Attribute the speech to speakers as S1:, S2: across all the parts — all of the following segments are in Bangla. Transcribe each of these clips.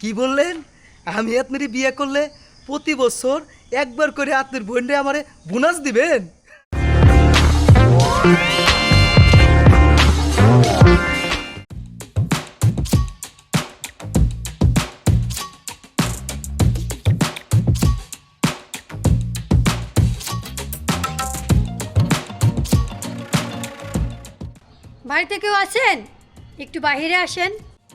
S1: কি বললেন? আমি আপনার বিয়ে করলে প্রতি বছর একবার করে আপনার বোনরে আমারে বোনাস দিবেন?
S2: বাড়িতে কেউ আছেন? একটু বাইরে আসেন।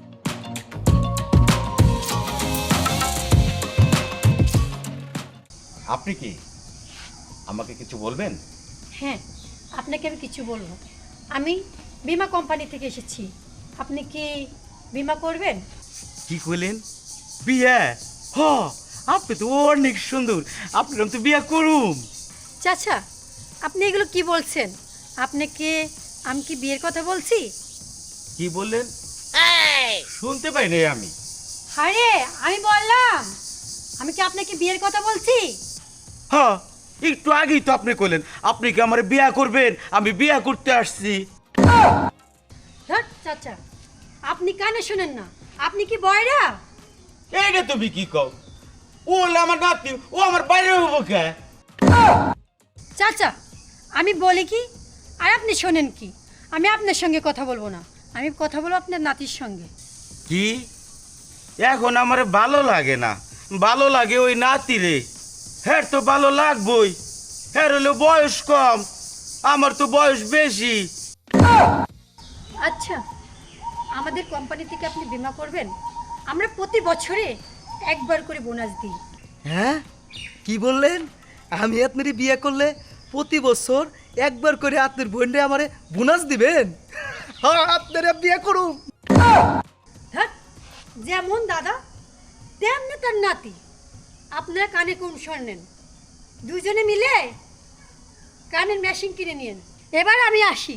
S3: আপনি কি আমাকে কিছু বলবেন?
S2: হ্যাঁ, আপনাকে আমি কিছু বলবো। আমি বীমা কোম্পানি থেকে এসেছি। আপনি কি বীমা করবেন?
S3: কি কইলেন? বিয়ে? হ, আপনি তো অনেক সুন্দর, আপনার তো বিয়ে করুম।
S2: চাচা, আপনি এগুলো কি বলছেন? আপনাকে আমি কি বিয়ের কথা বলছি?
S3: কি বললেন? শুনতে পাই নাই আমি।
S2: আরে আমি বললাম, আমি কি আপনাকে বিয়ের কথা বলছি?
S3: হ্যাঁ, একটু আগেই তো আপনি কইলেন আপনি কি আমার বিয়ে করবেন, আমি বিয়ে করতে আসছি।
S2: ধর চাচা, আপনি কানে শুনেন না? আপনি কি বয়রা?
S3: এইটা তুমি কি কও? ও হলো আমার নাতি, ও আমার বাইরে হবো কে?
S2: চাচা, আমি বলি কি আর আপনি শোনেন কি? আমি আপনার সঙ্গে কথা বলবো না, আমি কথা বলবো আপনার নাতির সঙ্গে।
S3: কি? এখন আমার ভালো লাগে না, ভালো লাগে ওই নাতি রে। হ্যাঁ তো ভালো লাগবই, হ্যাঁ হলো বয়স কম, আমার তো বয়স বেশি।
S2: আচ্ছা, আমাদের কোম্পানি থেকে আপনি বীমা করবেন? আমরা প্রতি বছরে একবার করে বোনাস দিই।
S1: হ্যাঁ, কি বললেন? আমি আপনার বিয়ে করলে প্রতি বছর একবার করে আপনার বোনরে আমারে বোনাস দিবেন? হ্যাঁ, আপনারা বিয়ে করুন।
S2: ধ্যাৎ, যেমন দাদা তেমনি তার নাতি। আপনারা কানে কম শোনেন, দুজনে মিলে কানের মেশিন কিনে নিন। এবার আমি আসি।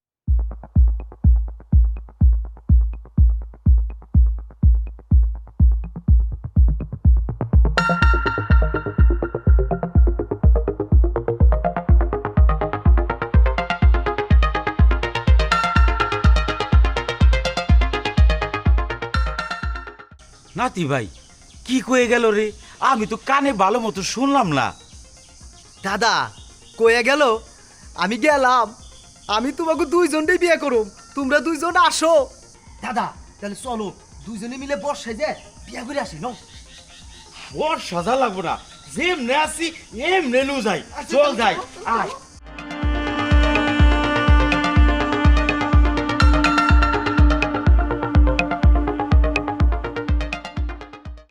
S3: নাতি ভাই কি কয়ে গেল রে? আমি তো কানে ভালো মতো শুনলাম না।
S1: দাদা কয়ে গেল, আমি গেলাম, আমি তোমাকে দুইজনটাই বিয়ে করুম, তোমরা দুইজন আসো। দাদা তাহলে চলো দুইজনে মিলে বর্ষায় যে বিয়ে করে আসি। নাও,
S3: ওর সাজা লাগবো না, যেমনে আছি এমনে নু যাই, চল যাই। আয়